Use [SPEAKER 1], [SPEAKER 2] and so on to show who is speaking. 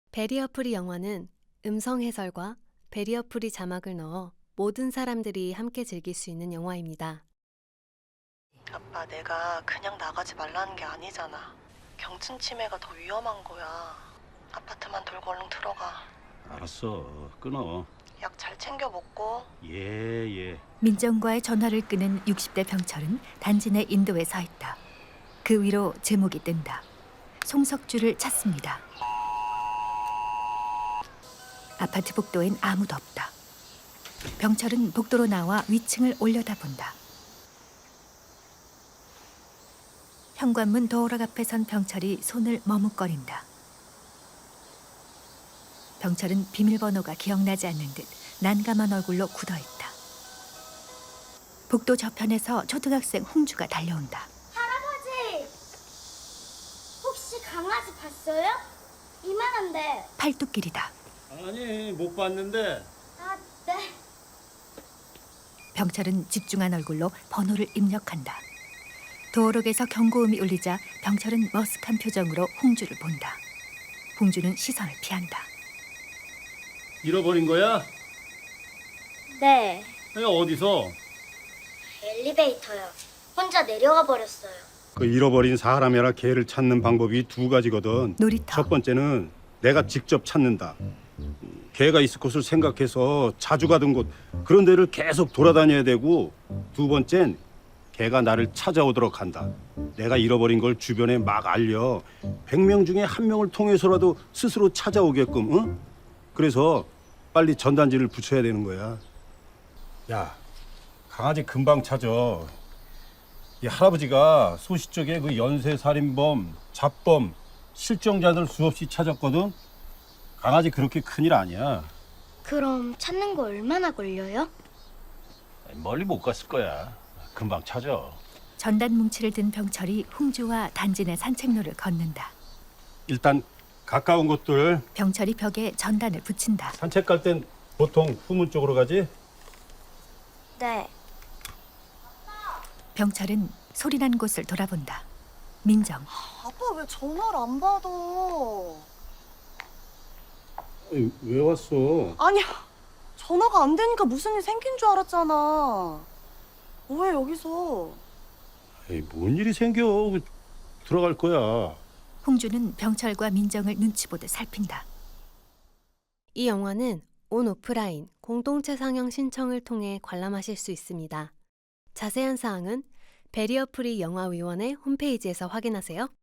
[SPEAKER 1] 베리어 프리 영화는 음성 해설과 베리어 프리 자막을 넣어 모든 사람들이 함께 즐길 수 있는 영화입니다.
[SPEAKER 2] 아빠, 내가 그냥 나가지 말라는 게 아니잖아. 경층 치매가 더 위험한 거야. 아파트만 돌고 얼른 들어가.
[SPEAKER 3] 알았어. 끊어.
[SPEAKER 2] 약 잘 챙겨 먹고.
[SPEAKER 3] 예.
[SPEAKER 4] 민정과의 전화를 끄는 60대 병철은 단지 내 인도에 서 있다. 그 위로 제목이 뜬다. 송석주를 찾습니다. 아파트 복도엔 아무도 없다. 병철은 복도로 나와 위층을 올려다본다. 현관문 도어락 앞에 선 병철이 손을 머뭇거린다. 병철은 비밀번호가 기억나지 않는 듯 난감한 얼굴로 굳어있다. 복도 저편에서 초등학생 홍주가 달려온다.
[SPEAKER 5] 할아버지! 혹시 강아지 봤어요? 이만한데.
[SPEAKER 4] 팔뚝길이다.
[SPEAKER 3] 아니, 못 봤는데.
[SPEAKER 5] 아, 네.
[SPEAKER 4] 병철은 집중한 얼굴로 번호를 입력한다. 도어록에서 경고음이 울리자 병철은 머쓱한 표정으로 홍주를 본다. 홍주는 시선을 피한다.
[SPEAKER 3] 잃어버린 거야?
[SPEAKER 5] 네.
[SPEAKER 3] 아니, 어디서?
[SPEAKER 5] 엘리베이터요. 혼자 내려가 버렸어요.
[SPEAKER 6] 그 잃어버린 사람이나 개를 찾는 방법이 두 가지거든.
[SPEAKER 4] 놀이터.
[SPEAKER 6] 첫 번째는 내가 직접 찾는다. 개가 있을 곳을 생각해서 자주 가던 곳 그런 데를 계속 돌아다녀야 되고, 두 번째는 개가 나를 찾아오도록 한다. 내가 잃어버린 걸 주변에 막 알려 100명 중에 한 명을 통해서라도 스스로 찾아오게끔. 응? 그래서 빨리 전단지를 붙여야 되는 거야. 야, 강아지 금방 찾아. 이 할아버지가 소시 쪽에 그 연쇄 살인범, 잡범, 실종자들 수없이 찾았거든. 강아지 그렇게 큰일 아니야.
[SPEAKER 5] 그럼 찾는 거 얼마나 걸려요?
[SPEAKER 3] 멀리 못 갔을 거야. 금방 찾아.
[SPEAKER 4] 전단 뭉치를 든 병철이 홍주와 단지 내 산책로를 걷는다.
[SPEAKER 6] 일단 가까운 곳들
[SPEAKER 4] 병철이 벽에 전단을 붙인다.
[SPEAKER 6] 산책 갈 땐 보통 후문 쪽으로 가지.
[SPEAKER 5] 네.
[SPEAKER 4] 병철은 소리난 곳을 돌아본다. 민정.
[SPEAKER 2] 아빠 왜 전화를 안 받아?
[SPEAKER 6] 왜 왔어?
[SPEAKER 2] 아니야. 전화가 안 되니까 무슨 일 생긴 줄 알았잖아. 왜 여기서?
[SPEAKER 6] 에이, 뭔 일이 생겨? 들어갈 거야.
[SPEAKER 4] 홍주는 병철과 민정을 눈치 보듯 살핀다.
[SPEAKER 1] 이 영화는 온 오프라인 공동체 상영 신청을 통해 관람하실 수 있습니다. 자세한 사항은 베리어 프리 영화위원회 홈페이지에서 확인하세요.